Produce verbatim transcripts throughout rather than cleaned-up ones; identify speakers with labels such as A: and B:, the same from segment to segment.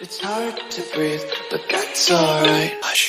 A: It's hard to breathe, but that's alright. Hush.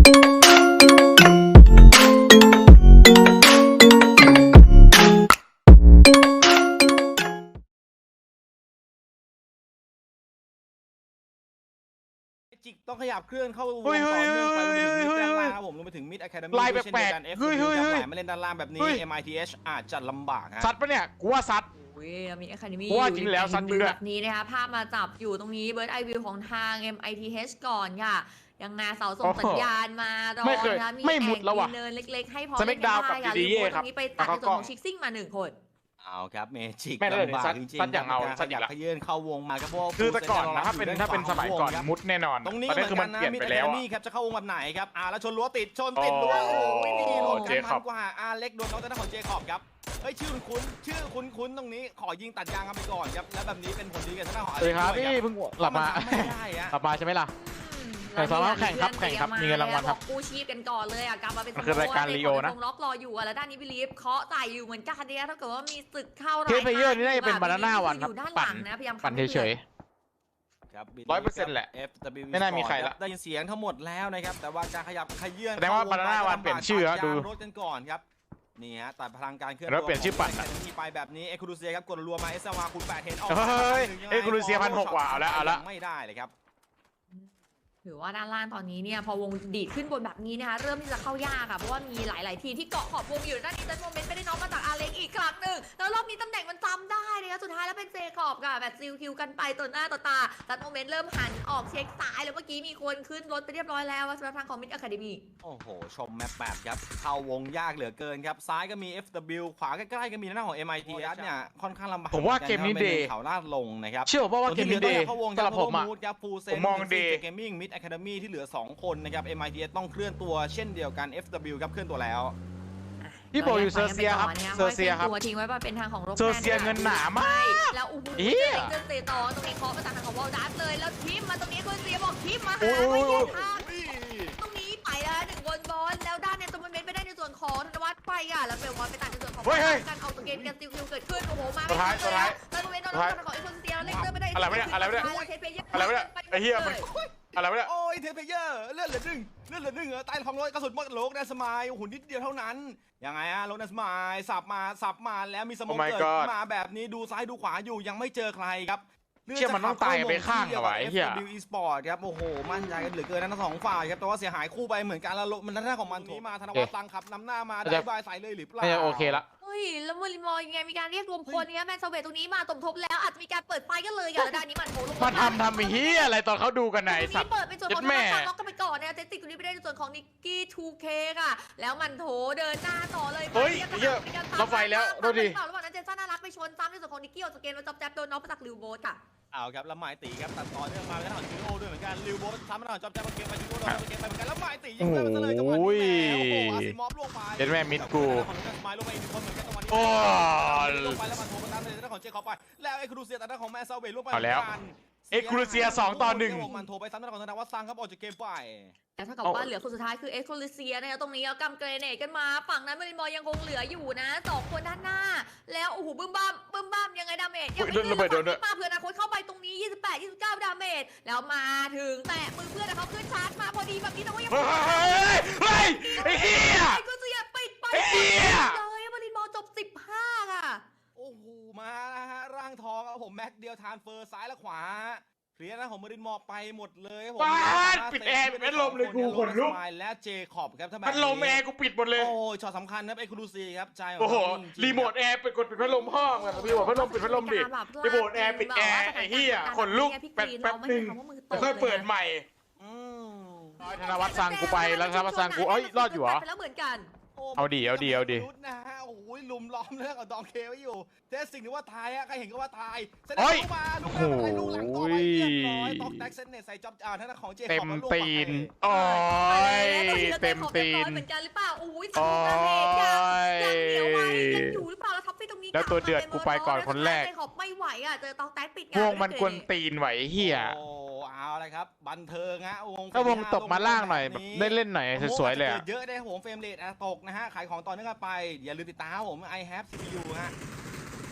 B: จิกต้องขยับเคลื่อนเข้าวง
C: เฮ้
B: ต่อย เนื่องไปรวมไปถึงมิด
C: เฮ้ย
B: ด้าน
C: เฮ้
B: ล่าย งครับผมรวมไปถึงมิดอะคาเดมี่
C: ลาย
B: ด้วยเช่นเดียวกัน
C: แปลก
B: เอฟ
C: ๆเฮ้ย
B: ซี
C: เฮ้ย
B: ครับ
C: เฮ้ย
B: ไหลมาเล่นด้านล่างแบบนี้
C: เฮ้ย
B: เอ็ม ไอ ที เอช อาจจะลำบากฮะ
C: ซัดปะเนี่ยกูว่าซัด
D: เว้ยมีอะคาเดมี่
C: เพราะว่า
D: อยู่
C: จริงแล้ว
D: ใน
C: ซัดจริงด้วย
D: แบบนี้นะคะภาพมาจับอยู่ตรงนี้เบิร์ดไอวิวของทาง เอ็ม ไอ ที เอช ก่อนค่ะยังไงเสาส่งสัญญาณมารอ
C: ไม่เคย
D: นะคะมี
C: ไม่มุดแล้วว่ะ
D: แอ่งมีเนินเล็กๆให้พอ
C: สเมกดาวน์กับ
D: เล่น
C: ดี
D: ได้
C: ดีเอ
D: ค่ะ
C: ครับ
D: ตรงนี้ไปตัดในส่วนของชิกซิ่งมาหนึ่งคน
B: เอาครับเมจิก
C: แม่งเลย
B: ลำบาก
C: ซัด
B: จริง
C: ซัดอย่างเอา
B: ครับ
C: ซัดอี
B: ขยั
C: ก
B: บ
C: ละ
B: ขยื่นเข้าวงมาครับเพราะว่า
C: คือแต่ก่อนนะถ้าเป็น
B: ฟูลซ็
C: ถ้าเป็นสมัยก่อน
B: ครับ
C: มุดแน่นอน
B: ตรงนี้
C: ตอน
B: เห
C: นี้
B: มือน
C: คือ
B: กั
C: มัน น
B: นะ
C: เปลี่ยน
B: มิด
C: ไป
B: อะ
C: แล้
B: คาว เด
C: อะ
B: มี่ครับจะเข้าวงแบบไหนครับอ่าแล้วชนรั้วติดชนติดรั้ว
C: อ๋อ
B: โอ้ยนี่โหลด
C: เจ
B: กัน
C: คอ
B: มั
C: บ
B: นกว่าอาเล็กโดนน้องทางด้านของเจคอบครับเฮ้ยชื่อคุ้นๆชื่อคุ้นๆตรงนี้ขอยิงตัดยางกันไปก่อนครับแล้วแบบนี้เป็นผลดีกับทางด้านของอา
C: สวัส
B: เล็
C: ดี
B: ก
C: ครับ
B: ด้วย
C: พี่เพิ่งหลับมา
B: นไม่ได้อะ
C: หลับมาใช่ไหมล่ะ
D: อืม
C: แต่สำหรับแข่งครับแข่งครับมีเงินรางวัลครับ
D: อกกู้ชีพกันก่อนเลยอ่ะกลับมาเป็น
C: มันคือรายการ
D: สโ
C: Leo นะ
D: วงล็อกรออยู่อ่ะแล้วด้านนี้บิลีฟเคาะใส่อยู่เหมือนกันเนี่ยถ้าเกิดว่ามีศึกเข้า
C: เคสเพลเยอร์นี่น่าจะเป็น Banana วันครับ
D: อยู่ด้านห
C: ปั่
D: ลั
C: น
D: งนะพยายาม
C: ปั่นเฉย
B: ครับ
C: ร้อยเปอร์เซ็นต์แหละ
B: เอฟ ดับเบิลยู
C: ไม่น่ามีใครละ
B: ได้ยินเสียงทั้งหมดแล้วนะครับแต่ว่าการขยับขยื่น
C: แสดงว่า
B: เข้
C: Banana
B: ไป
C: วันเปลี่ยนชื่อแล้ว
B: ตัด
C: ดู
B: ยางรถกันก่อนครับนี่ฮะตัดพลังการเคลื่อน
C: แล้วเปลี่ยนชื่อปั่น
B: ข
C: อะ
B: งที่ไปแบบนี้เอคูรูเซียครับกดรัวมาเอสวาคูณแปดเห็นออก
C: เฮ้ย
B: มา
C: เอ้ยคูรูเซียพันหกว่ะเอาละเอาละ
B: ไม่ได้เลยครับ
D: ถือว่าด้านล่างตอนนี้เนี่ยพอวงดีดขึ้นบนแบบนี้นะคะเริ่มที่จะเข้ายากค่ะเพราะว่ามีหลาย ๆ ทีมที่เกาะขอบวงอยู่ด้านนี้จันโมเมนต์ไม่ได้น้องมาจากอาเล็กอีกครั้งหนึ่งแล้วรอบนี้ตำแหน่งมันจำได้นะคะสุดท้ายแล้วเป็นเจคอบค่ะแบบซิลคิวกันไปต่อหน้าต่อตาจันโมเมนต์เริ่มหันออกเช็คซ้ายแล้วเมื่อกี้มีคนขึ้นรถไปเรียบร้อยแล้วสำหรับทางของมิดอะคาเดมี่
B: โอ้โห ชมแมปแบบครับ เข้าวงยากเหลือเกินครับ ซ้ายก็มี เอฟ ดับเบิลยู ขวาใกล้ๆก็มีหน้าของ เอ็ม ไอ ที เอส เนี่ย ค่อนข้างลำบาก
C: ผมว่าเกมนี้
B: หอนกั
C: day
B: เขาลาดลงนะครับ
C: เชื่อป่ะว่าเกมนี้เดย์
B: เข้าวง
C: สำหรับผมอะ
B: ครับฟูเซ
C: ผ
B: น
C: มมอง day
B: เกมมิ่งมิดอะคาเดมี่ที่เหลือสองคนนะครับ เอ็ม ไอ ที เอส ต้องเคลื่อนตัวเช่นเดียวกัน เอฟ ดับเบิลยู ครับเคลื่อนตัวแล้ว
C: พี่โบอยู่เซอร์เซียครับเซอร์เซียครับ
D: ตัวทิ้งไว้เป็นทางของโร
C: เซอร์เซียเงินหนามาก
D: แล้วอู้หู
C: เหี้ย
D: เจอเตะต่อตรงนี้เคาะมาจากทางของวอลดัสเลยแล้วทิมมาตรงนี้คุณเซียบอกทิมมา
C: โอ้
D: หาไม่
C: ย
D: แยกทางตรงนี้ไปแล้วหนึ่งบอลบอลแล้วด้านเนี่ยตัวมันเมนไปได้ในส่วนของธนวัฒน์ไปอ่ะแล้วเบลวอนไปตัดในส่วนของ
C: เฮ้ยเฮ้ย
D: การเอาตัวเกมกันซิลคิวเกิดขึ้นโอ้โหมา
C: สุดท้าย
D: ไม่ทันเลย
C: สุดท้าย
D: แล้วตัวเมนโดน
C: สุดท้าย
D: ทางของเอ็กซ์เซียแล้วเล็กเตอร์ไม่ได้
C: อะไรวะเนี่ยอะไรวะเนี่ย
D: แล้วเทปเพย์
C: อะไรวะเนี่ยไอ้เหี้ยมัน อะไรวะเนี่ย
B: โอ้ยเทปเพเยอร์เลื่อนเหลือหนึ่งเลื่อนเหลือหนึ่งเหรอใต้ท้องรถกระสุนหมดโลกแดนสมายหุ่นนิดเดียวเท่านั้นยังไงฮะโลกแดนสมายสับมาสับมาแล้วมีสโมอง
C: Oh my
B: เกิด
C: God
B: มาแบบนี้ดูซ้ายดูขวาอยู่ยังไม่เจอใครครับ
C: เชี่ยมันต้องตายไปข้างเหรอวะไอ้เหี้ย
B: เอฟ ดับเบิลยู Esport ครับโอ้โหมั่นใจกันเหลือเกินนะทั้งสองฝ่ายครับแต่ว่าเสียหายคู่ไปเหมือนกันแล้วมันด้านของมันนี้มาธนวัฒน์ตังขับนำหน้ามาได้บายใส่เลยหรือเปล่า
C: น่าจะโอเคละ
D: เฮ้ยแล้วมูรินมอยังไงมีการเรียกรวมพลเนี่ยแมนเซเวตตรงนี้มาสมทบแล้วอาจจะมีการเปิดไฟกันเลยกันแล้วด้านนี้มันโผล่ลง
C: มาทำทำไอ้เหี้ยอะไรตอนเขาดูกันไหน
D: ตรง
C: สัต
D: นี้
C: ว์
D: เปิดเป็นส่วนของ
C: เจ็ดแม่
D: ทางล็อกกันไปก่อนเนี่ยเจสติกตรงนี้ไปได้ในส่วนของนิกกี้ ทู เค ค่ะแล้วมันโถเดินหน้าต่อเลย
C: เฮ้ย
D: มา
C: เหี้ย
D: มีการตาม
C: รถไฟแล้ว
D: ตาม
C: ดูดิ
D: ตามระหว่างนั้นเจนซ่าน่ารักไปชนซ้ำในส่วนของนิกกี้ออกจากเกมแล้วจับแจ๊บโดนน็อกไปจากลิวโบสค่ะ
B: เอาครับแล้วหมายตีครับตัดต่อเนื่องมาแล้วทางจิโร่ด้วยเหมือนกันลิวโบสทำมาหน่อยจอบแจ๊บมาเกมไปจิโร่โดนเกมไปเหมือนกันแล้วหมายตียิงไปมันเลยจังหวะนี้แล้วโอ้โหอาซิมอฟลงไป
C: เจ็ดแม่มิดกู
B: ของทางสมายลงไปอีกคนเหมือนกันจังหวะนี้
C: โอ้
B: ลงไปแล้วมันโทรมาตามเลยทางของเจคอบไปแล้วไอ้ครูเซียตัดทางของแมนซาเวลลงไป
C: เอาแล้ว เอ็กซ์ครูเซียสองต่อหนึ่ง
B: มันโทรไปซ้ำทางของธนวัฒน์ซังครับออกจากเกมไป
D: แล้วถ้ากับว่าเหลือคนสุดท้ายคือเอ็กโคลิเซียนะคะตรงนี้เอากำเกรเนตกันมาฝั่งนั้นมารินมอยังคงเหลืออยู่นะสองคนด้านหน้า แล้วโอ้โหบึ้มบ้ามบึ้มบ้ามยังไงดาเมจยังไม่
C: โดนระเบิดโดนด้วย
D: มาเพื่อนาคตเข้าไปตรงนี้ยี่สิบแปด ยี่สิบเก้าดาเมจแล้วมาถึงแตะมือเพื่อนนะเขาขึ้นชาร์จมาพอดีแบบนี้แต่ว่ายัง
C: เฮ้ยเฮ้ยไอ้เหี้ย
D: เอ็กโคลิเซียปิดไป
C: ไอ้เหี้ย
D: เลยมารินมอจบสิบห้าค่ะ
B: โอ้โหมานะฮะร่างทองครับผมแม็กเดียวทานเฟอร์ซ้ายและขวาเคลียร์นะของมารินมอไปหมดเลยครับผม
C: บ้านปิดแอร์ปิดพัดลมเลยกูขนลุก
B: และเจคอบครับถ้าแบบ
C: พัดลมแอร์กูปิดหมดเลย
B: โอ้ช็อตสำคัญครับไอ้ครูซีครับใจของ
C: โอ้โห
B: เขาจงๆ
C: รีโมทแอร์ไปกดปิดพัดลมห้องอะพี่บอกพัดลมปิดพัดลมดิรีโมทแอร์ปิดแอร์ไอ้เหี้ยขนลุกแป๊บแป๊บหนึ่งแล้วค่อยเปิดใหม่
B: อืม
C: ธนวัฒน์สั่งกูไปแล้วธนวัฒน์สั่งกูเอ้ยรอดอยู่เหรอ
D: ไปแล้วเหมือนกัน
C: เอาดิเอาดิเอาดิ
B: รุดนะฮะโอ้โหลุมล้อมเรื่องกับดองเคไว้อยู่เทสสิ่งที่ว่าตายอะใครเห็นก็ว่าตายเซนเน
C: เฮ้
B: ต
C: ย
B: เข้ามาลูกหน้าอะไรลูกหลังต่อไปเรียบร้อยตอกแท็กเซนเนตใส่จ็อบอ่าท่านของเจคอบ
C: เต็ม
B: มาลวก
C: ตีน
B: ไป
C: โอ้ย
D: เต็
C: เต็
D: ม
C: ม
D: ตี
C: ตี
D: น
C: น
D: เหมือนกันหรือเปล่าโอ้ย
C: โอ้
D: สนุกนะเด็กยังยังเหนียวไว้
C: ย
D: ยังอยู่หรือเปล่าแล้วท็อปปี้ตรงนี้
C: แล้วตัวเดือดกูไปก่อนคนแรก
D: เจคอบไม่ไหวอ่ะเจอตอกแท็กปิด
C: วงมันกวนตีนไหวเฮีย
B: โอ้เอาเลยครับบันเทิงฮะวง
C: ถ้าวงตบมาล่างหน่อยแบบได้เล่นหน่อยสวยๆเลยอะ
B: เยอะได้ครับผมเฟรมเรทตกนะฮะขายของต่อเนื่องกันไปอย่าลืมติดตามผม I have ซี พี ยู ฮะ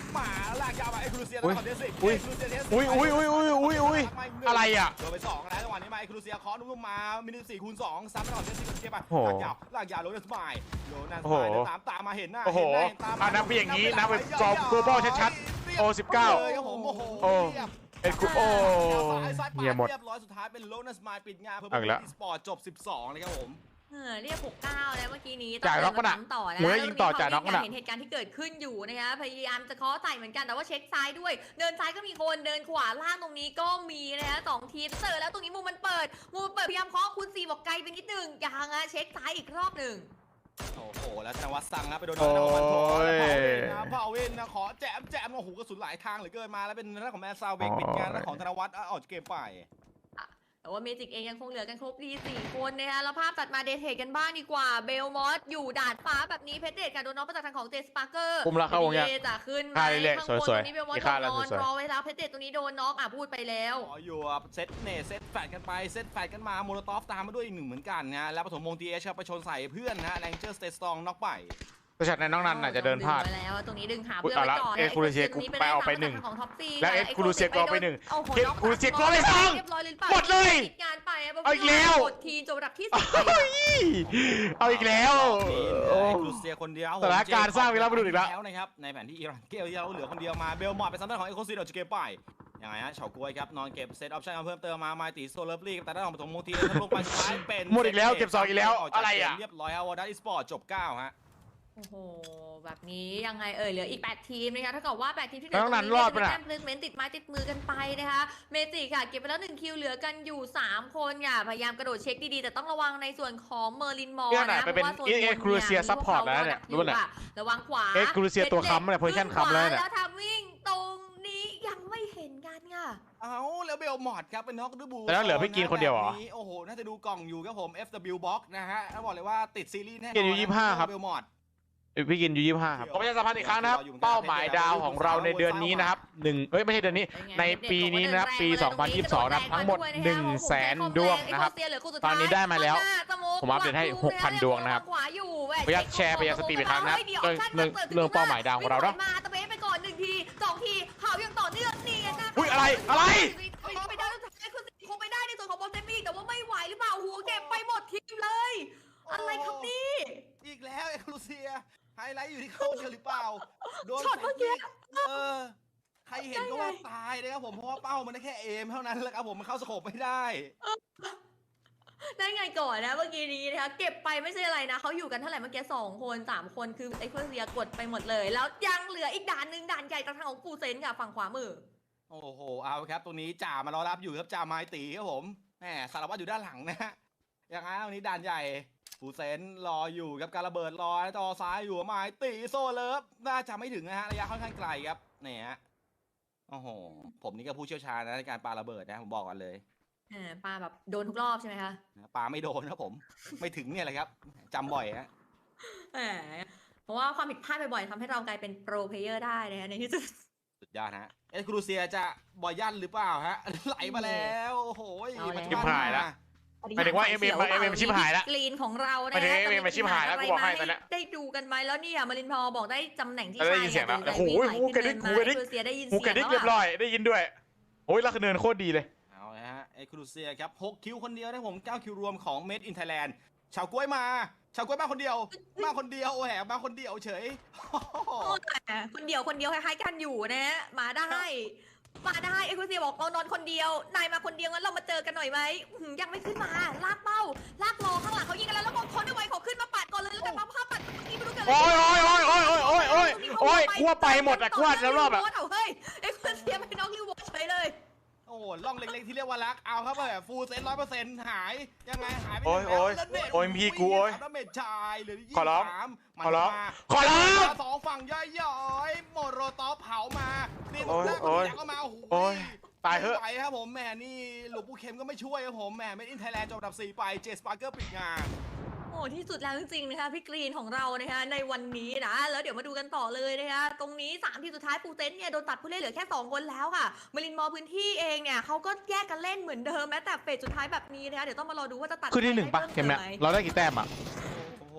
B: หมาลากยาวมาเอ็กซ์คลูเซีย
E: อุ้ย
B: ต่อเดซิก
E: อุ้ย
B: เอ็กซ์คลูเซียเดซิก
E: อุ้ยอุ้ยอุ้ยอุ้ยอุ้ยอุ้ยอะไรอ่ะ
B: โดนไปสองแล้วจังหวะนี้มาเอ็กซ์คลูเซียเคอนุ่มๆมามินิสี่คูณสองซ้ำไปต่อเดซิกเก็บไป
E: โอ้โห
B: ลากยาวลากยาวโรนัสไมล์โรนัส
E: โอ้
B: ไม
E: โห
B: ล์ตามตามมาเห็นหน้า
E: โอ้โห
B: เห็นหน้าเห็นตามมา
E: อ่ะนับไปอย่างนี้นับไปกรอบ global ชัดๆโอสิบเก้า
B: เลยครับผมโอ้โห
E: โอ้
B: เรียบ
E: เอ็ดกูโอ้
B: ซ้ายซ้ายปาด
E: เหี้ยหมด
B: เรียบร้อยสุดท้ายเป็นโรนัสไมล์ปิดงานเพื่อ
E: เอาอีกแล้ว
B: สปอร์ตจบสิบสองเลยครับผม
D: เออเรียกหกเก้าแล้วเมื่อกี้นี้
E: จ่ายน็อกปะน่ะ
D: ตต่อนะ
E: หมวยยิงต่อจ่ายน็อกปะน่ะ
D: เห็นเหตุการณ์ที่เกิดขึ้นอยู่นะคะพยายามจะเคาะใส่เหมือนกันแต่ว่าเช็คซ้ายด้วยเดินซ้ายก็มีคนเดินขวาล่างตรงนี้ก็มีนะคะสองทีมเจอแล้วตรงนี้มุมมันเปิดมุมมันเปิดพยายามเคาะคุณซีบอกไกลไปนิดนึงยังอะเช็คซ้ายอีกรอบหนึ่ง
B: โอ้โหแล้วธนวัฒน์สั่งนะไปโดนน้องธนวัฒน์โผล่แล้วเผาเวนนะเผาเวนนะขอแจมแจมโอ้โหกระสุนหลายทางเหลือเกินมาแล้วเป็นเรื่องของแมนซาวเบกปิดงานแล้วของธนวัฒน์ออกจากเกมไป
D: แต่ว่าเมจิกเองยังคงเหลือกันครบดีสี่คนนะคะแล้วภาพตัดมาเดทเทคกันบ้างดีกว่าเบลมอสอยู่ดาดฟ้าแบบนี้เพชรเดชกับโดนน้องประจักษ์ทางของเจสปาร์เกอร์
E: คุมแล้วเข้าวงยัง
D: เจะขึ้นไหม
E: ท่าเรื่อยๆ
D: ข้างบน
E: สวยๆ
D: ตรงนี้เบลมอส
E: อีก
D: โด
E: ท่าน แล้ว
D: นอน
E: สวยๆ
D: รอไว้แล้วเพชรเดชตรงนี้โดนน็อกอ่ะพูดไปแล้ว
B: ขออยู่เซตเนเซตแฟดกันไปเซตแฟดกันมาโมโลตอฟตามมาด้วยอีกหนึ่งเหมือนกันนะแล้วปฐมวงทีเอชครับไปชนใส่เพื่อนนะแรงเจอร์สเตสตองน็อกไป
E: ประชัดในน้องนันอาจจะเดินพลาด
D: ดึงไว้แล้วตรงนี้ดึงหา
E: อุ๊ย
D: เพื่อนไว้ก่อน
E: เอาละเอ็กซ์คูลูเซีย
D: ตรงนี้
E: ไปเอาไปหนึ่ง
D: ของท็อปซี่
E: และเอ็กซ์คูลูเซียก็เอาไปหนึ่ง
D: โอ้โห
E: เอ็กซ์คูลูเซียก็เอาไปสอง
D: เรียบร้อยเลยรือปา
E: หมดเลย
D: ปิดงานไปะ
E: เอาอีกแล้ว
D: กดทีมจบระดับที่สิบ
E: เอาอีกแล้ว
B: โอ้ครูเซียคนเดียว
E: สถานการณ์สร้างวีรบุรุษอีกแล้ว
B: แล้วนะครับในแผนที่อิหร่านเกลเราเหลือคนเดียวมาเบลมอร์เป็นซัมเมอร์ของเอ็กโคซีดออกจากเกมไปยังไงฮะเฉากล้วยครับนอนเก็บเซตออปชั่นมาเพิ่มเติมมาไมตีโซเลอร์ฟลีแต่ได้ของปฐมวงทีทะลุไปสุดท้ายเป็น
E: หมดอีกแล้วเก็บสองอีกแล้วอะไรอ่ะ
B: เรียบร้อยครับวอร์ดัสอีสปอร์ตจบเก้าฮะ
D: โอ้โหแบบนี้ยังไงเอ่ยเหลืออีกแปดทีมนะคะถ้าเกิดว่าแปดทีมที่เหลื
E: แล้วนั้นรอดปะน่ะ
D: แต้มเพลสเมนต์ติดไม้ติดมือกันไปนะคะเมจิค่ะเก็บไปแล้วหนึ่งคิวเหลือกันอยู่สามคนค่ะพยายามกระโดดเช็คดีๆแต่ต้องระวังในส่วนของเมอร์ลินมอร์
E: เนี่ยไหน
D: นะ
E: ไปเป็น
D: พราะว่าโซนบน
E: เอ็กซ์คลูเซียซัพพอร์ตแล้วเนี่ยรู้ปะเนี่ย
D: ระวังขวา
E: เอ็กซ์คลูเซียตัวค้ำเนี่ยโพซิชั่นค้ำแล้วเนี่ย
D: แล้วทำวิ่งตรงนี้ยังไม่เห็นกันค่ะ
B: เอาแล้วเบลมอร์ดครับเป็นน็อกด้วยบู
E: แต่แล้วเหลือพี่กินคนเดียวเหรอ
B: แบบโอ้โหน่าจะดูกล่องอยู่ครับผม เอฟ ดับเบิลยู Box นะฮะแล้วบอกเลยว่าติดซีรีส์แน่นอน
E: กินอยู่ยี่สิบห้าครับ
B: เบลมอร์ด
E: พี่กินยูยี่สิบห้าครับผมจะสัมพันธ์อีกครั้งนะครับเป้าหมายดาวของเราในเดือนนี้นะครับหนึ่งเอ้ยไม่ใช่เดือนนี้ในปีนี้นะครับปีสองพันยี่สิบสองนะครับทั้งหมดหนึ่งแสนดวงนะครับตอนนี้ได้มาแล้วผมอัปเดตให้ หกพัน ดวงนะครับ
D: ขวาอยู่
E: ขออนุญาตแชร์ไปยังสตรีมอีกครั้งนะครับเรื่องเรื่องเรื่องเป้าหมายดาวของเราเนาะ
D: มาตะเบสไปก่อนหนึ่งทีสองทีเผายังต่อเนื่องนี่นะ
E: อุ๊ยอะไรอะไร
D: ไปได้แล้วคุณคงไปได้ในส่วนของบอลเซมี่แต่ว่าไม่ไหวหรือเปล่าหัวเก็บไปหมดทีมเลย อะไรครับนี่
B: อีกแล้วเอ็กซ์คลูเซียไฮไลท์อยู่ที่เขาเดียวหรือเปล่าโดน
D: ช็อตเมื่อกี้
B: เออใครเห็นก็ว่าตายเลยครับผมเพราะว่าเป้ามันได้แค่เอมเท่านั้นแหละครับผมมันเข้าสโคปไม่ได้
D: ได้ไงก่อนนะเมื่อกี้นี้นะคะเก็บไปไม่ใช่อะไรนะเขาอยู่กันเท่าไหร่เมื่อกี้สองคนสามคนคือไอ้เพื่อนเซียกดไปหมดเลย แล้วยังเหลืออีกด่านหนึ่งด่านใหญ่ทางของปูเซนค่ะฝั่งขวามือ
B: โอ้โหเอาครับตรงนี้จ่ามารอรับอยู่ครับจ่าไม้ตีครับผมแหมสารวัตรอยู่ด้านหลังนะฮะอย่างนั้นตรงนี้ด่านใหญ่ฟูเซนรออยู่ครับการระเบิดรอจอซ้ายอยู่ไม้ตีโซเลิฟน่าจะไม่ถึงนะฮะระยะค่อนข้างไกลครับเนี่ยฮะโอ้โหผมนี่ก็ผู้เชี่ยวชาญนะในการปาระเบิดนะผมบอกก่อนเลย
D: อ่าปลาแบบโดนทุกรอบใช่ไหมคะ
B: ปาไม่โดนครับผมไม่ถึงเนี่ยแหละครับจำบ่อยฮะ
D: แหมเพราะว่าความผิดพลาดบ่อยๆทำให้เรากลายเป็นโปรเพลเยอร์ได้นะคะในที่สุด
B: สุดยอดฮะเอ็กซ์ครูเซียจะบอยยันหรือเปล่าฮะไหลมาแล้วโอ้โห
E: ชิบหายละ หมายถึงว่า เอ็ม เอ็ม เอ็ม เอ็ม ชิบหายละ
D: กรีนของเรา
E: หมายถึง เอ็ม เอ็ม ชิบหายละกูบอกให้ตอนเนี้ย
D: ได้ดูกันไหมแล้วเนี่ยมารินพอบอกได้ตำแหน่งที่
E: ได้
D: ใช่
E: ยินเสียงแล้ว
D: อะ
E: โอ้โหหูกระดิกหูกระดิก
D: เซียได้ยิน
E: หู
D: เสียง
E: กระดิกเรียบร้อยได้ยินด้วยโอ้ยลักเนินโคตรดีเลย
B: เอาละฮะเอ็กซ์ครูเซียครับหกคิวคนเดียวนะผมเก้าคิวรวมของ Made in Thailand ชาวกล้วยมาชาวกล้วยมาคนเดียวมาคนเดียวโอ้แหมาคนเดียวเฉย
D: โอ้แต่คนเดียวคนเดียวคล้ายๆกันอยู่นะฮะมาได้มาได้เอ็กซ์เซียบอกเรานอนคนเดียวนายมาคนเดียวงั้นเรามาเจอกันหน่อยไหมอื้อหือยังไม่ขึ้นมาลากเป้าลากรอข้างหลังเขายิงกันแล้วแล้วคนไม่ไหวขอขึ้นมาปัดก่อนเลยแล้วกันปั๊มภาพปัดเมื่อกี้ไม่รู้เกิดอะไร
E: โอ้ยโอ้ยโอ้ยโอ้ยโอ้ยโอ้ยโอ้ยโอ้ยกลัวไปหมดอะกลัวแล้วรอบอะ
D: เอาเฮ้ยเอ็กซ์เซียไปน้องลิวโบเฉยเลย
B: โอ้โหล่องเล็กๆที่เรียกว่ารักเอาครับแบบฟูลเซนร้อยเปอร์เซ็นต์หายยังไงหายไป
E: โอ้ยโอ้ย
B: แล้วเน็ต
E: โอ้ยพี่กูโอ้ย
B: ดาเมจชายเหลือยี่
E: ขอร้อง
B: สามมัน
E: ขอร้อง
B: มา
E: ขอร้อง
B: สองฝั่งย่อยๆโมโรตอเผามานี่
E: โอ้ย
B: แรก
E: โอ้ย
B: ก็มาโอ้โห
E: โอ้ยตายเถอะ
B: ไม่ไหวครับผมแหมนี่หลวงปู่เข็มก็ไม่ช่วยครับผมแหมเมดอินไทยแลนด์จบอันดับสี่ไปเจสปาร์เกอร์ปิดงาน
D: โอ้ที่สุดแล้วจริงๆนะคะพี่กรีนของเรานะคะในวันนี้นะแล้วเดี๋ยวมาดูกันต่อเลยนะคะตรงนี้สามทีมสุดท้ายปูเซนเนี่ยโดนตัดผู้เล่นเหลือแค่สองคนแล้วค่ะมารินมอพื้นที่เองเนี่ยเขาก็แยกกันเล่นเหมือนเดิมแม้แต่เฟสสุดท้ายแบบนี้นะคะเดี๋ยวต้องมารอดูว่าจะตัด
E: คือที่หนึ่งปะ
D: ใคร
E: เกมเนี้ย
D: พิ่ไห
E: เราได้กี่แต้มอะ
B: โอ้โห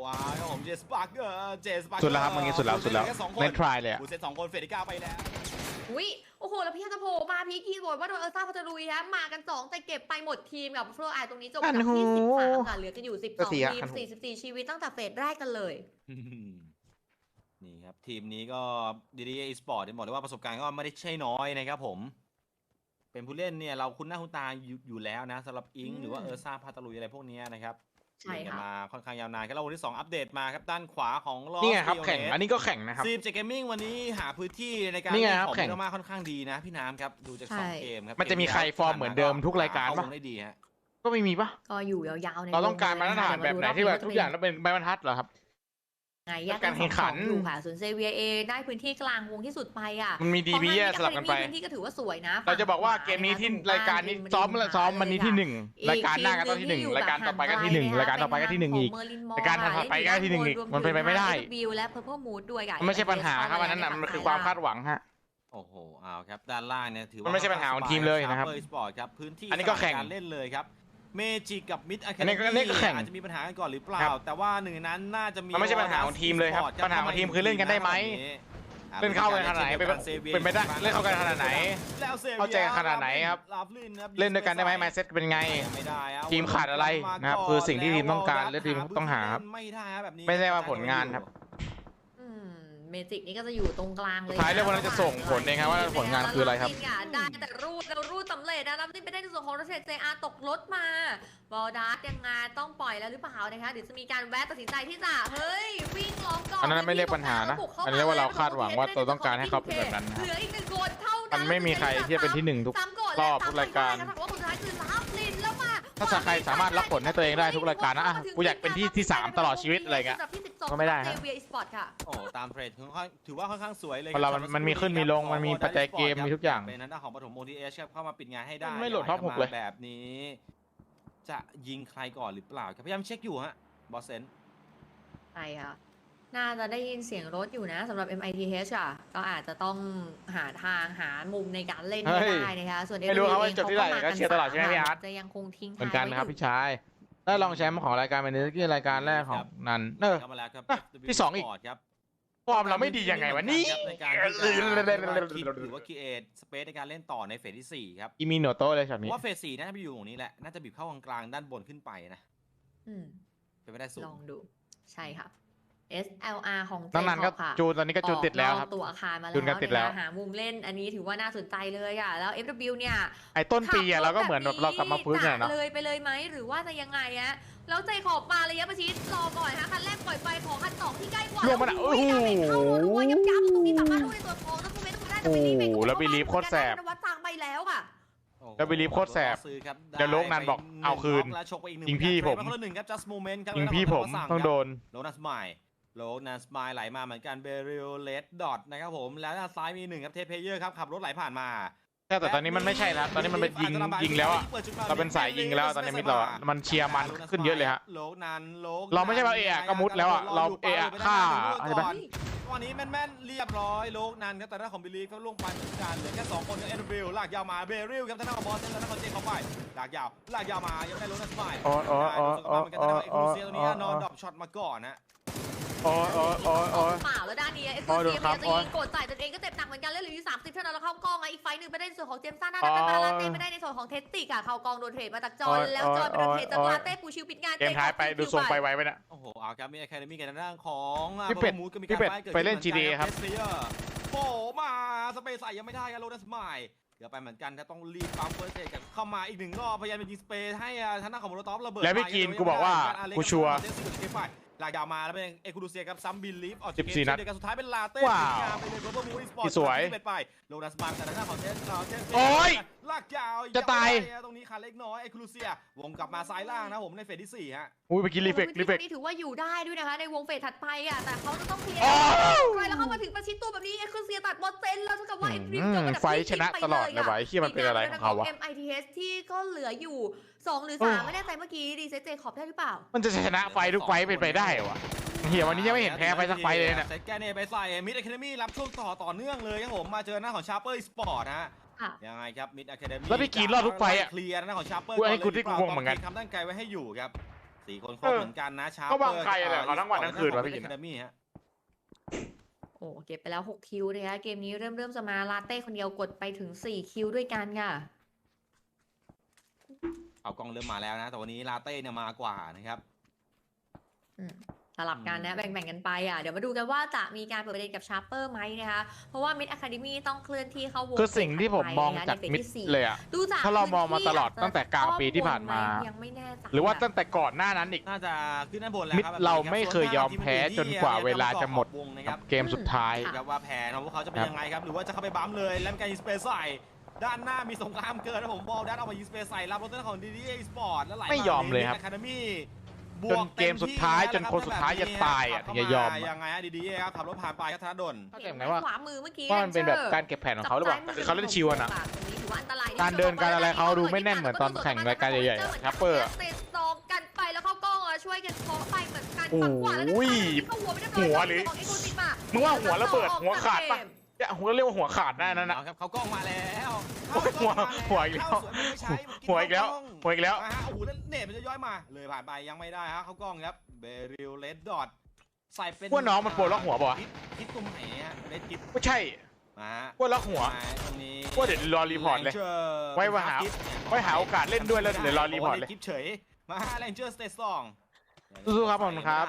B: มาครับผมเจสปาร์เกอร์เจสปาร์เกอร์
E: สุดแล้วครับเมื่อกี้สุดแล้วสุดแล้ว
B: ค่สองคน
E: เล่นทรายเลยอะ
B: บูเซตสองคนเฟรดิก้าไปแล้ว
D: อุ้ยโอ้โหแล้วพี่จะโผล่มาพีคีย์บอร์ดว่าโดนเออร์ซ่าพัทลุยฮะมากันสองแต่เก็บไปหมดทีมกับโฟร์ไอตรงนี้จบจากที่สิบสามค่ะเหลือกันอยู่สิบสองทีมสี่สิบสี่ชีวิตตั้งแต่เฟสแรกกันเลย
B: นี่ครับทีมนี้ก็ดีดีอีสปอร์ตบอกเลยว่าประสบการณ์ก็ไม่ได้ใช่น้อยนะครับผมเป็นผู้เล่นเนี่ยเราคุ้นหน้าคุ้นตาอยู่อยู่แล้วนะสำหรับอิงหรือว่าเออร์ซ่าพาตาลุยอะไรพวกนี้นะครับ
D: ใช่ค่ะ
B: มาค่อนข้างยาวนานครับแล้ววันที่สองอัปเดตมาครับด้านขวาของลอส
E: นี่ไงครับแข่งอันนี้ก็แข่งนะครับ
B: ซีมเจเกมมิ่งวันนี้หาพื้นที่ในการ
E: นี่ไง
B: เล่น
E: ครับ
B: ของ
E: แข่ง
B: เยอะมากค่อนข้างดีนะพี่น้ำครับดูจากสองเกมครับ
E: มันจะมีใครฟอร์มเหมือนเดิมทุกรายการปะ
B: เข้วงได้ดีฮะ
E: ก็ไม่มีปะ
D: ก็อยู่ยาวๆใน
E: เราต้องการมาตรฐานแบบไหนที่แบบทุกอย่างต้องเป็นใบบรรทัดเหรอครับ
D: ไงแยก
E: การแข่งขัน
D: อยู่ค่ะส่วนเซเวียเอได้พื้นที่กลางวงที่สุดไปอ่ะ
E: มันมีดีบีแยกสลับกันไป
D: พื้นที่ก็ถือว่าสวยนะ
E: เราจะบอกว่าเกมนี้ที่รายการนี้ซ้อมซ้อมมันนี้ที่หนึ่งรายการหน้าก็ต้องที่หนึ่งรายการต่อไปก็ที่หนึ่งรายการต่อไปก็ที่หนึ่งอีก รายการถัดไปก็ที่หนึ่งอีกมันเป็นไปไม่ได้
D: บิวและ Purple Mood ด้วยค่ะ
E: มันไม่ใช่ปัญหาครับอันนั้นน่ะมันคือความคาดหวังฮะ
B: โอ้โหเอาครับด้านล่างเนี่ยถือว่า
E: มันไม่ใช่ปัญหาของทีมเลยนะครับ
B: Sharper Esports ครับพื้นที่
E: อันนี้ก็แข่ง
B: สำหรับารเล่นเลยครับเมจิกับมิดอะแค
E: อันนี้ก็อันนี้ก็แข่ง
B: อาจจะมีปัญหากันก่อนหรือเปล่า
E: ครับ
B: แต่ว่าหนึ่งในนั้นน่าจะมี
E: มันไม่ใช่ปัญหาของทีมเลยครับ
B: Esports
E: ปัญหาของทีมคือเล่นกันได้ไหม เล่นเข้ากันขนาดไหนเป็นเป็นไปได้เล่นเข้ากันขนาดไหน
B: แล้วซวีย
E: เข้าใจกันขนาดไหนครับ
B: ราฟลินครับ
E: เล่นด้วยกันได้ไหมไมเซ็ตเป็นไง
B: ไม่ได้ครับ
E: ทีมขาดอะไรนะครับคือสิ่งที่ทีมต้องการและทีมต้องหาครับ
B: ไม่ได้ครับแบบนี้
E: ไม่ใช่ว่าผลงานครับ
D: อืมเมจิกนี่ก็จะอยู่ตรงกลางเลย
E: สุดท้ายเรื่องวันนั้นจะส่งผลเองครับว่าผลงานคืออะไรครับ
D: ได้แต่รูดแล้วรูดสำเร็จนะรับนี่ไปได้ในส่วนของรถเซเจอาตกรถมาบอลดาร์ตยังไงต้องปล่อยแล้วหรือเปล่านะคะเดี๋ยวจะมีการแวะตัดสินใจที่จะเฮ้ยวิ่งล้อมก่อน
E: อันนั้นไม่เรียกปัญหานะอันนี้เรียกว่าเราคาดหวังว่าเราต้องการให้เขาเป็นแบบนั้นนะ
D: เหลืออีกหนึ่งคนเท่านั้น
E: มันไม่มีใครที่จะเป็นที่หนึ่งทุกรอบทุกรายการ
D: ว่าคนสุดท้ายคือลาฟลินแล้วมา
E: ถ้าใครสามารถรับผลให้ตัวเองได้ทุกรายการนะอ่ะกูอยากเป็นที่ที่สามตลอดชีวิตอะไรเงี้ยก็ไม่ได้ฮะ
D: เซเวียอีสปอร์ตค่ะ
B: โอ้ตามเทรดค่อนข้างถือว่าค่อนข้างสวยเลย
E: เพราะเรามันมันมีขึ้นมีลงมันมีปัจจัยเกมมีทุกอย่าง
B: เป็นนั้นของปฐมโมทีเอชครับเข้ามาปิดงานให้ได้
E: ไม่โหลดท็อปหกเลย
B: แบบนี้ จะยิงใครก่อนหรือเปล่าครับพยายามเช็คอยู่ฮะบอสเซน
D: ใช่ค่ะ น่าจะได้ยินเสียงรถอยู่นะสำหรับ เอ็ม ไอ ที เอช อ่ะ ก็อาจจะต้องหาทางหามุมในการเล่นให้ได้นะคะ ส่วน
E: ไม่รู้ครับว่าจบที่ไหนก็เชียร์ตลอดใช่ไหมพี่อาร์ต
D: จะยังคงทิ้ง
E: เหมือนกันนะครับพี่ชายได้รองแชมป์ของรายการเป็นที่รายการแรกของนันเออ
B: เข้ามาแล้วครับ
E: อ่ะที่สองอีก
B: ครับ
E: ฟอร์มเราไม่ดียังไงวะนี่
B: ในการที่จะคิดหรือว่าคิดสเปซในการเล่นต่อในเฟสที่สี่ครับ
E: อีมีโนโตะเลยช็อต
B: เพ
E: นี้
B: ราะว่าเฟสสี่น่าจะไปอยู่ตรงนี้แหละน่าจะบีบเข้ากลางๆด้านบนขึ้นไปนะ
D: อืม
B: เป็นไม่ได้สูง
D: ลองดู ใช่ค่ะ เอส แอล อาร์ ของเจ
E: น้องนันก็
D: ค่ะ
E: จูนตอนนี้ก็จูนติดแล้วครับ
D: ออกนอกตัวอาคารมาแล้ว
E: จูนกันติดแล้ว
D: นะคะหามุมเล่นอันนี้ถือว่าน่าสนใจเลยอ่ะ แล้ว เอฟ ดับเบิลยู เนี่ย
E: ไอ้ต้นปีอะเราก็เหมือนแบบเรากลับมาฟื้นกันเนาะ
D: จะเลยไปเลยไหมหรือว่าจะยังไงอะแล้วใจขอบมาระยะประชิดรอก่อนฮะคันแรกปล่อยไปของคันสองที่ใกล้กว่า
E: ลงมาน่ะ
D: โอ้โห
E: โอ้โห
D: เข้ารัวๆยับๆตรงนี้สามารถดูในตัวทองแล้วคุณเมย์ต้องได้แต่ไม่รีบไป
E: โอ้โหแล้วบีลีฟโคตรแสบ
D: วัดจางไปแล้วค่ะ
E: แล้วบิลีฟโคตรแสบ
B: ซื้อครับ
E: เดี๋ยวโลกนันบอกเอาคืน
B: แล้วชกไปอีกหนึ่
E: ยิงพี่ผม
B: คนละหนึ่งครับ just moment ครับ
E: ยิงพี่ผมต้องโดน
B: โลนัสไมล์โลนัสไมล์ไหลมาเหมือนกันเบริลเลดดอทนะครับผมแล้วด้านซ้ายมีหนึ่งครับเทปเพเยอร์ครับขับรถไหลผ่านมา
E: ใช่แต่ตอนนี้มันไม่ใช่แล้วตอนนี้มันเป็นยิงยิงแล้วอะเราเป็นสายยิงแล้วตอนนี้มิดเราอะมันเชียร์มันขึ้นเยอะเลยฮะ
B: โลนันโล
E: เราไม่ใช่ว่าเอะอะก็มุดแล้วอะเราเอะอะฆ่าใช่ปะ
B: ตอนนี้แม่นๆเรียบร้อยโลนันครับแต่ด้านของบิลีฟก็ล่วงไปเหมือนกันเหลือแค่สองคนกับเอ็นบิลลากยาวมาเบริลครับทางด้านของบอสเซนและทางของเจเข้าไปลากยาวลากยาวมายังไม่ได้โลนัสไมล์
E: โอ้โอ้โอ้โอ้
B: เหมือนกันทางด้านของเอ็กซ์คลูเซียตรงนี้นอนดรอปช็อตมาก่อนนะ
E: โอ้โอ้โอ้โอ้
D: เปล่าแล้วด้านนี้เอ็กซ์
E: โอ้
D: ค
E: ดู
D: ลูเซีย
E: ครั
D: มั
E: บ
D: นจะยิงกดใส่ตัวเองก็เจ็บหนักเหมือนกันเล่นเหลืออยู่สามสิบเท่านั้นแล้วเข้ากองอ่ะอีกไฟหนึ่งไปได้ในส่วนของเจมส์ซ่าหน้าด้านตาลาเต้ไม่ได้ในส่วนของเทสติกอ่ะเข้ากองโดนเทรดมาจากจอนแล้วจอนไปโดนเทรดจากลาเต้ปูชิวปิดงาน
E: เกมท้ายไปดูทรงไปไวไปนะ
B: โอ้โหเอาครับมีอะคาเดมี่กันทางด้านของ
E: พี่เป็ด
B: มูดก็มี
E: พี่
B: การ
E: เป็ด
B: ไฟเกิด
E: ไปเล่น
B: ขึ้หมือ
E: จี ดี ครับ
B: เทสเพลเยอร์โผล่มาสเปซใส่ยังไม่ได้ครับโลนัสไมล์เดี๋ยวไปเหมือนกันถ้าต้องรีบปั๊มเฟิร์สเซกันเข้ามาอีกหนึ่งรอบพยายามจะยิงสเปซให้ทางด้านของโมโนตอฟระเบิด
E: แล้วพี่กินกูบอกว่ากูชัวร์
B: ลากยาวมาแล้วเป็นเอคูดูเซียครับซัมบิลลีฟออก
E: สิบสี่นัด
B: เดียวกันสุดท้ายเป็นลาเต้
E: ว้าว
B: งามไปเลยโรเบอร์มูนสปอร์ต
E: ที่สวย
B: ที่เป็นไปโลนัสมาแต่ทางด้านของเทสเทส
E: โอ้ย
B: ลากยาว
E: จะตาย
B: ตรงนี้ขาเล็กน้อยเอคูดูเซียวงกลับมาซ้ายล่างนะผมในเฟสที่สี่ฮะ
E: อุ้ยไปกินรีเฟกรีเฟก
D: นี่ถือว่าอยู่ได้ด้วยนะคะในวงเฟสถัดไปอ่ะแต่เขาจะต้องเคลียร์
E: โอ้
D: ไปแล้วเข้ามาถึงประชิดตัวแบบนี้เอ็กซ์คลูเซียตัดบอลเซนแล้วเท่ากับว่าเอ็กซ์ตรีม
E: อื
D: จบ
E: ม
D: อันดับ
E: ไฟ
D: ที่
E: ชนะตลอดเลยว่ะไอ้เหี้ยมันเป็นอะไรของเขาวะ
D: เอ็ม ไอ ที เอส ที่ก็เหลืออยู่สองหรือสามไม่แน่ใจเมื่อกี้ดีเซเจขอบได้หรือเปล่า
E: มันจะชนะไฟทุกไฟเป็นไปได้เหรอวะเฮียวันนี้ยังไม่เห็นแพ้ไฟสักไฟเลยเนี่ย
B: เซตแกนเนไปใส่มิดอะคาเดมี่รับช่วงต่อต่อเนื่องเลยครับผมมาเจอหน้าของชาร์เปอร์สปอร์ตฮะ
D: ค่ะ
B: ยังไงครับมิดอะคาเดมี่
E: แล้วพี่กรีนรอดทุกไฟอะ
B: เคลียร์หน้าของชาร์เปอร์
E: กูไอ้กูที่กูงงเหมือนกัน
B: ทำตั้งไกลไว้ให้อยู่ครับสี่คนครบเหมือนกันนะชา
C: ก็วางใครอะไรเขาทั้งวันทั้งคืนวะพี่
B: แคนามี่ฮะ
D: โอ้เก็บไปแล้วหกคิวนะคะเกมนี้เริ่มเริ่มจะมาลาเต้คนเดียวกดไปถึงสี่คิวด้วยกันค่ะ
B: เอากล้องเริ่มมาแล้วนะแต่วันนี้ลาเต้เนี่ยมากว่านะครับ
D: อืมสลับกันนะแบ่งๆกันไปอ่ะเดี๋ยวมาดูกันว่าจะมีการเปิดประเด็นกับชาร์เปอร์ไหมนะคะเพราะว่ามิดอะคาเดมี่ต้องเคลื่อนที่เข้าวง
E: คือสิ่งที่ผมมองจากมิดเลยอะ
D: ดูจาก
E: ถ้าเรามองมาตลอด
D: พื้นที่
E: ตั้งแต่กลางปีที่ผ่านมา
D: ยังไม่แน่ใจ
E: หรือว่าตั้งแต่ก่อนหน้านั้นอีก
B: น่าจะขึ้นด้านบนแล้ว
E: มิด
B: ครับ
E: เราไม่เคยยอมแพ้จนกว่าเวลาจะหมด
B: วงนะครับ
E: เกมสุดท้าย
B: ครับว่าแผนของพวกเขาจะเป็นยังไงครับหรือว่าจะเข้าไปบัมเลยแล้วมีการยิงสเปซใส่ด้านหน้ามีสงครามเกิดนะผมบอลด้านออกมายิงสเปซใส่รับรถเต้นของดีดีสปอร์ตแล้วไหล
E: ไม่ยอมเลยครับ
B: อะคาเดมี่
E: จนเกมสุดท้ายจนคนสุดท้ายจะตายอ่ะถึงจะยอมอะ
B: ยังไงอะดีๆครับขับรถผ่านไปครับธนดล
E: เข้าใจไหมว่า
D: ขวามือเมื่อกี้
E: ว่ามันเป็นแบบการเก็บแผนของเขาหรือเปล่าแต่คือเขาเล่นชิวอะนะ การเดินการอะไรเขาดูไม่แน่นเหมือนตอนแข่งรายการใหญ่ๆอะแชปเปอร์อะ
D: ติดซองกันไปแล้วเข้ากล้องอ่ะช่วยกันเคาะไปเหมือนกัน
E: โอ้
D: ฝั่งขวาแล้ว
E: โห
D: เข้าหัวไม่ได้
E: หัวหรือ
D: ของเอ็กซ์โคซิมา
E: มึงว่าหัวระเบิดหัวขาดปะเนี่ยหัวเรียกว่าหัวขาดได้นั่นนะ
B: เอาครับเขากล้องมาแล้ว
E: หัวหัวอีกแล้ว หัวอีกแล้วหัวอีกแล้ว
B: อ่าฮะโอ้โหแล้วเน็ตมันจะย้อยมาเลยผ่านไปยังไม่ได้ฮะเขากล้องครับเบริลเลดดอทใส่เป็น
E: ว่าน้องมันปวดล็อกหัวป่ะวะ
B: คิดตรงไหนฮะเลดคิด
E: ไม่ใช่
B: มาฮะ
E: ว่าล็อกหัว
B: มาตรงนี้
E: ว่าเดี๋ยวรอรีพอร์ตเลย ไว้ว่าหาไว้หาโอกาสเล่นด้วยแล้วเดี๋ยวรอรีพอร์ตเลย
B: คลิปเฉยมาแรงเจอร์สเตทสอง
E: สู้ๆครับผมครับ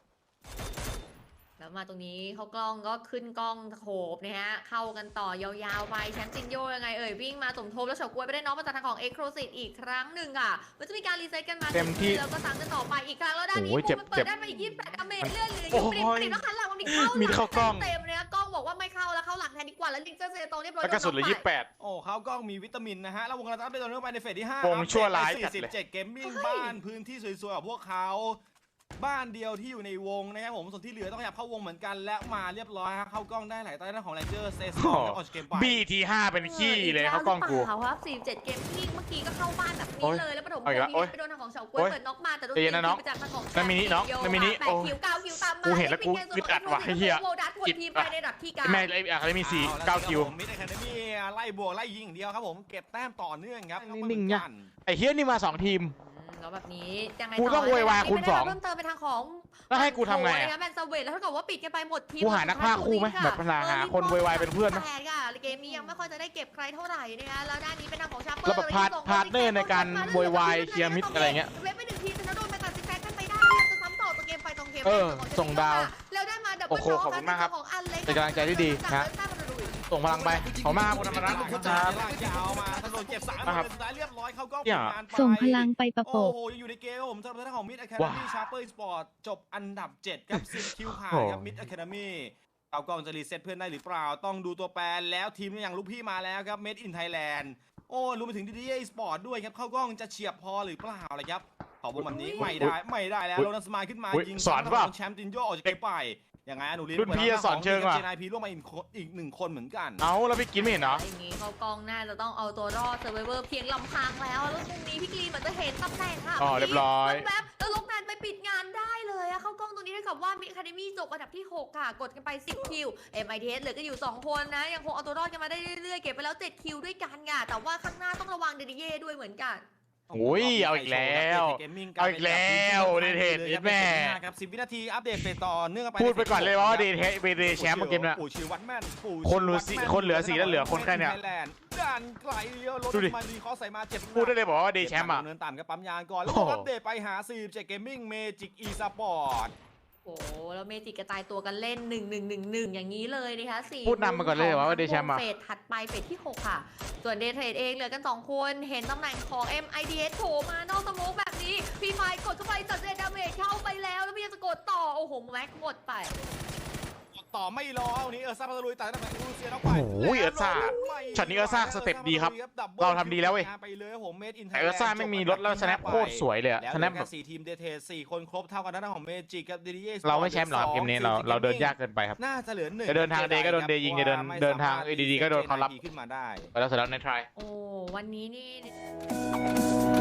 D: แล้วมาตรงนี้เขากล้องก็ขึ้นกล้องโขบนะฮะเข้ากันต่อยาวๆไปแชมป์จินโยยังไงเอ่ยวิ่งมาสมทบแล้วเฉาก๊วยไปได้น้องมาจากทางของเอ็กโครซิตอีกครั้งหนึ่งอ่ะมันจะมีการรีเซ็ตกันมา
E: เต็มที่
D: แล้วก็ซ้ำกันต่อไปอีกครั้งแล้วด้านนี้
E: โอ้ยเจ็บ
D: มันเปิ
E: เจ็
D: ด
E: บ
D: ได้มาอีกยี่สิบแปดดาเมจเลื่อนเหลืออ
E: โอ้
D: ยู่
E: โห
D: ปริบปริบแล้วหันหลังมันอีกเข้า
E: มีเข้ากล้อง
D: เต็มเลยนะกล้องบอกว่าไม่เข้าแล้วเข้าหลังแทนดีกว่าแล้วลิงเจอร์เซโตเรียบร้อย
E: แล้วกระสุนเหลือยี่สิบแปด
B: โอ้เขากล้องมีวิตามินนะฮะแล้ววงการอัพเป็นตัวนึงไปในเฟสที่ห้าว
E: งชั่วร้ายจั
B: สี่
E: ด
B: สิบ
E: เลย
B: เจ็ดเกมมิ่งบ้านพื้นที่สวยๆของพวกเขาบ้านเดียวที่อยู่ในวงนะครับผมส่วนที่เหลือต้องขยับเข้าวงเหมือนกันและมาเรียบร้อยฮะเข้ากล้องได้หลายใต้ด้านของแรงเจอร์เซสออกจากเกมไป
E: บีทีห้าเป็นขี้เลยเขากล้องกู
D: เขาครับสี่สิบเจ็ดเกมที่เมื่อกี้ก็เข้าบ้านแบบ
E: โอ๊
D: นี้
E: ย
D: เลยแล้วปฐมพ
E: เอาอีกแล้ว
D: ง
E: โอ๊
D: ศ์
E: ย
D: ไปโดนทางของเฉาก๊วย
E: โอ๊ย
D: เปิดน็อกมาแต่โดน
E: ใจเย็นนะน้อง
D: ไปจากทางของ
E: นั่นมินิน้องนั่นมินิ
D: แปด
E: โอ้
D: คิวเก้าคิวตามมา
E: กูเห็นแล้วกูอึดอัดว่ะไอ้เหี้ย
D: โวดัสคนทีมไปในระดับที่เก้า
E: แม่ไอ้อะไรมีสี่เก้าคิว
B: มิดอะคาเดมี่ไล่บวกไล่ยิงอย่างเดียวครับผมเก็บแต้มต่อเนื่องครับ
E: นิ่งๆเนี่ย ไอ้เฮียนี่มาสองทีม
D: อืมแล้วแบบนี้ยังไง
E: กูต้องโวยวายคูณสอง
D: เพิ่มเติมไปทางของ
E: แล้วให้กูทำไงอะ
D: แบนซาเวตแล้วถ้าเกิดว่าปิดกันไปหมดทีม
E: กูหานักพากย์คู่ไหมแบบหาหาคนโวยวายเป็นเพื่อนไหม
D: แปดค่ะเกมนี้ยังไม่ค่อยจะได้เก็บใครเท่าไหร่นะคะแล้วด้านนี้เป็นทางของชาร์เปอร์
E: แล้วแบบพาร์ทพาร์ทเนอร์ในการโวยวายเคลียร์มิดอะไรเงี้ย
D: เว็บไปหนึ่งทีชนะโดนไปตัดสินใจกันไปได้ยังจะซ้ำต่อตัวเกมไปตรงเกม
E: เออ
D: แรก
E: ส่งดาว
D: แล้วได้มาดับ
E: โอ้
D: เบิล
E: โห
D: น็อก
E: ขอบคุณมากครับ
D: ของอันเล็ก
E: เป็นกำลังใจที่ดีนะ ส่งพลังไปขอบคุณมากครับคุณธรรมรัตน์
B: ค
E: ค
B: รั
E: รั
B: บบ ยาวมาถนนเก็บสาม
E: นะครับ
B: สุดท้ายเรียบร้อยเขาก็
E: เนี่ย
B: ปิดงานไป
F: ส่งพลังไปประโป
B: โอ้
F: ก
B: โหยังอยู่ในเกมครับผมสำหรับทางของมิดอะคาเด
E: ว้า
B: มี่ชาร์เปอร์สปอร์ตจบอันดับเจ็ดครับสิบคิวผ่านครับมิดอะคาเดมี่เอากล้องจะรีเซ็ตเพื่อนได้หรือเปล่าต้องดูตัวแปรแล้วทีมอย่างลูกพี่มาแล้วครับ Made in Thailand โอ้รวมไปถึง ดี ดี เอ Sport ด้วยครับเข้ากล้องจะเฉียบพอหรือเปล่าอะไรครับขอบวงแบบนี้ไม่ได้ไม่ได้แล้ว
E: อุ๊ย
B: โรนัลสมายขึ้นมา
E: อุ๊ย
B: ยิง
E: สอนเปล่า
B: แชมป์จินโยออกจากเกมไปยังไงหนูลิน
E: รุ่นพี่สอนเชิงว่ะ
B: เจนายพีร่วมมาอีกคนอีกหนึ่งคนเหมือนกัน
E: เอาแล้วพี่กินไม่เห็นเหรอ
D: อย่างนี้เขากองน่าจะต้องเอาตัวรอดเซอร์ไวเวอร์เพียงลำพังแล้วแล้วตรงนี้พี่กรีนเหมือนจะเห็นตำแหน่งค่ะ
E: อ๋อเรียบร้อย
D: แวบๆแล้วลกแมนไปปิดงานได้เลยอะเข้ากล้องตรงนี้เท่ากับว่ามิคาเดมี่จบอันดับที่หกค่ะกดกันไปสิบคิว เอ็ม ไอ ที เอส เหลือก็อยู่สองคนนะยังคงเอาตัวรอดกันมาได้เรื่อยๆเก็บไปแล้วเจ็ดคิวด้วยกันค่ะแต่ว่าข้างหน้าต้องระวังเดดิเย่ด้วยเหมือนกัน
E: โอ้ยเอาอีกแล้วเอาอีกแล้วเดทเทสแม่
B: ครับสิบวินาทีอัปเดตไปต่อเนื่องไป
E: พูดไปก่อนเลยว่าเดทเทสเดทแชมป์เกมเนี้ย
B: ปู่ชิวัตแมนปู่
E: คนเหลือสี่คนเหลือสี่แล้วเหลือคนแค่เนี้ย
B: ด้านไกลเดียวรถ
E: ดูดิ
B: มาดีเขาใส่มาเจ็บ
E: พูดได้เลยบอกว่าเดทแชมป์อ่ะ
B: เนินต่ำกับปั๊มยางก่อนแล้ว
E: โอ้โห
B: อัปเดตไปหาสี่สิบเจ็ดเกมมิ่งเมจิกอีสปอร์ต
D: โอ้โหแล้วเมจิกกระจายตัวกันเล่นหนึ่งหนึ่งหนึ่งหนึ่งอย่างนี้เลยนะคะสี่
E: พูดนำมาก่อนเลยว่าได้แชมป์อะ
D: เฟสถัดไปเฟสที่หกค่ะ ส่วนเดทเทรดเองเหลือกันสองคนเห็นตำแหน่งของ เอ็ม ไอ ที เอส โผล่มานอกสโมกแบบนี้พีไฟกดเข้าไปจัดเรดดาเมจเข้าไปแล้วแล้วพยายามจะกดต่อโอ้โหแม็กหมดไป
B: ต่อไม่รอวันนี้เออร์ซ่าพัทลุยแต่ตั้งแต่รูเซียแล้วไป
E: โอ้ยเออร์ซ่าช็อตนี้เออร์ซ่าสเต็ปดีครับเราทำดีแล้วเว้ย
B: ไปเลยผม Made in
E: แต่เออร์ซ่าไม่มีรถแล้วสแนปโคตรสวยเลยอะ
B: แล้ว
E: ส
B: เห
E: แน
B: ลื
E: ป
B: อ
E: แบ
B: แค่
E: บ
B: สี่ทีมเดทเทสสี่คนครบเท่ากันด้านของเมจิกกับ ดี ดี เอ
E: เราไม่แชมป์หรอกเกมนี้เราเราเดินยากเกินไปครับ
B: น่าจะเหลือหนึ่ง
E: จะเดินทางเดย์ก็โดนเดย์ยิงจะเดินเดินทางเอดีดีก็โดนเขารับ
B: ขึ้นมาได้
E: ไปแล้วเสร็จแล้วในทราย
D: โอ้วันนี้นี่